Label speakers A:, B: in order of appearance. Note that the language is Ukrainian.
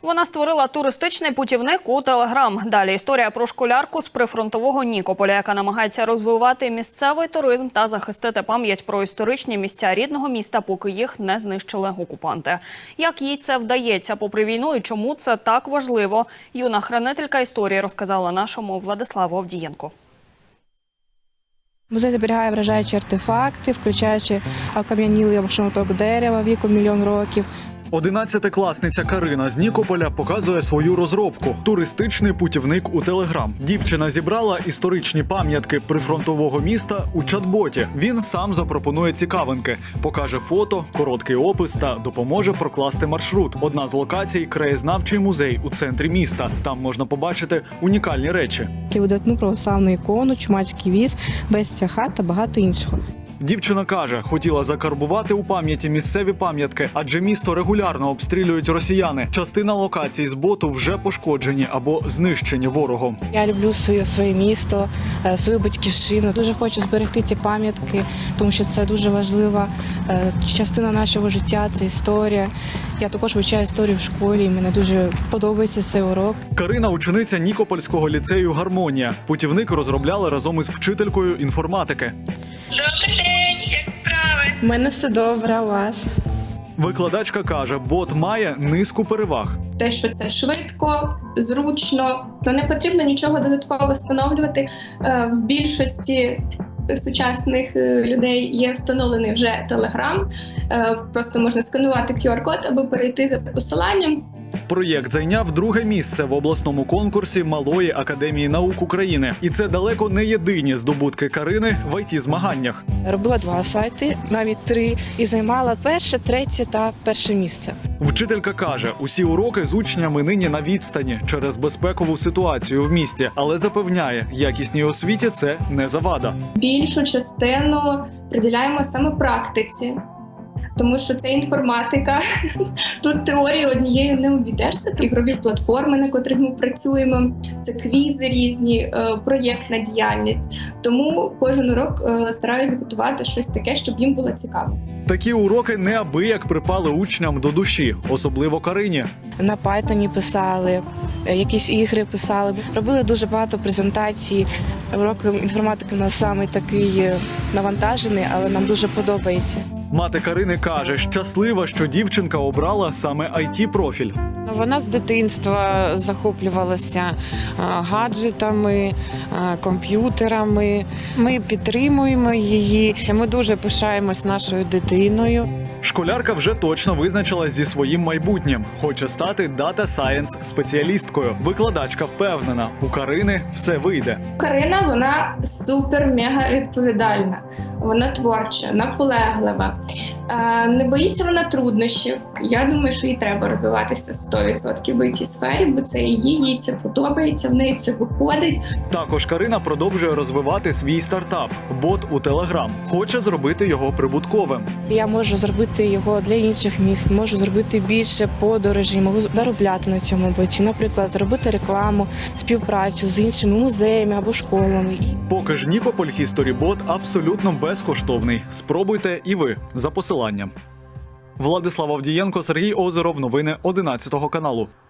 A: Вона створила туристичний путівник у Телеграм. Далі історія про школярку з прифронтового Нікополя, яка намагається розвивати місцевий туризм та захистити пам'ять про історичні місця рідного міста, поки їх не знищили окупанти. Як їй це вдається попри війну і чому це так важливо, юна хранителька історії розказала нашому Владиславу Авдієнку.
B: Музей зберігає вражаючі артефакти, включаючи окам'янілий шматок дерева віком 1 мільйон років.
C: 11-класниця Карина з Нікополя показує свою розробку – туристичний путівник у Телеграм. Дівчина зібрала історичні пам'ятки прифронтового міста у чат-боті. Він сам запропонує цікавинки, покаже фото, короткий опис та допоможе прокласти маршрут. Одна з локацій – краєзнавчий музей у центрі міста. Там можна побачити унікальні речі.
B: Видатну православну ікону, чумацький віз, безця хат та багато іншого.
C: Дівчина каже, хотіла закарбувати у пам'яті місцеві пам'ятки, адже місто регулярно обстрілюють росіяни. Частина локацій з боту вже пошкоджені або знищені ворогом.
B: Я люблю своє місто, свою батьківщину. Дуже хочу зберегти ці пам'ятки, тому що це дуже важлива частина нашого життя, це історія. Я також вивчаю історію в школі, і мені дуже подобається цей урок.
C: Карина – учениця Нікопольського ліцею «Гармонія». Путівник розробляли разом із вчителькою інформатики.
D: Добрий день, як справи?
B: У мене все добре, у вас?
C: Викладачка каже, бот має низку переваг.
D: Те, що це швидко, зручно, то не потрібно нічого додатково встановлювати. В більшості сучасних людей є встановлений вже Telegram. Просто можна сканувати QR-код або перейти за посиланням.
C: Проєкт зайняв 2-е місце в обласному конкурсі Малої академії наук України. І це далеко не єдині здобутки Карини в ІТ-змаганнях.
B: Робила 2 сайти, навіть 3, і займала 1, 3 та 1 місце.
C: Вчителька каже, усі уроки з учнями нині на відстані через безпекову ситуацію в місті. Але запевняє, якісній освіті це не завада.
D: Більшу частину приділяємо саме практиці. Тому що це інформатика, тут теорії однією не обійдешся, це ігрові платформи, на котрих ми працюємо, це квізи різні, проєктна діяльність. Тому кожен урок стараюся готувати щось таке, щоб їм було цікаво.
C: Такі уроки неабияк припали учням до душі, особливо Карині.
B: На Python писали, якісь ігри писали. Робили дуже багато презентацій. Урок інформатики у нас саме такий навантажений, але нам дуже подобається.
C: Мати Карини каже, щаслива, що дівчинка обрала саме IT-профіль.
E: Вона з дитинства захоплювалася гаджетами, комп'ютерами. Ми підтримуємо її. Ми дуже пишаємось нашою дитиною.
C: Школярка вже точно визначилась зі своїм майбутнім. Хоче стати дата-сайенс спеціалісткою. Викладачка впевнена, у Карини все вийде.
D: Карина, вона супер-мега відповідальна. Вона творча, наполеглива. Не боїться вона труднощів. Я думаю, що їй треба розвиватися 100% в IT-сфері, бо це їй це подобається, в неї це виходить.
C: Також Карина продовжує розвивати свій стартап – бот у Телеграм. Хоче зробити його прибутковим.
B: Я можу зробити його для інших міст, можу зробити більше подорожей, можу заробляти на цьому боті. Наприклад, робити рекламу, співпрацю з іншими музеями або школами.
C: Поки ж Нікополь History Bot абсолютно безкоштовний. Спробуйте і ви за посиланням. Владислав Авдієнко, Сергій Озеров. Новини 11 каналу.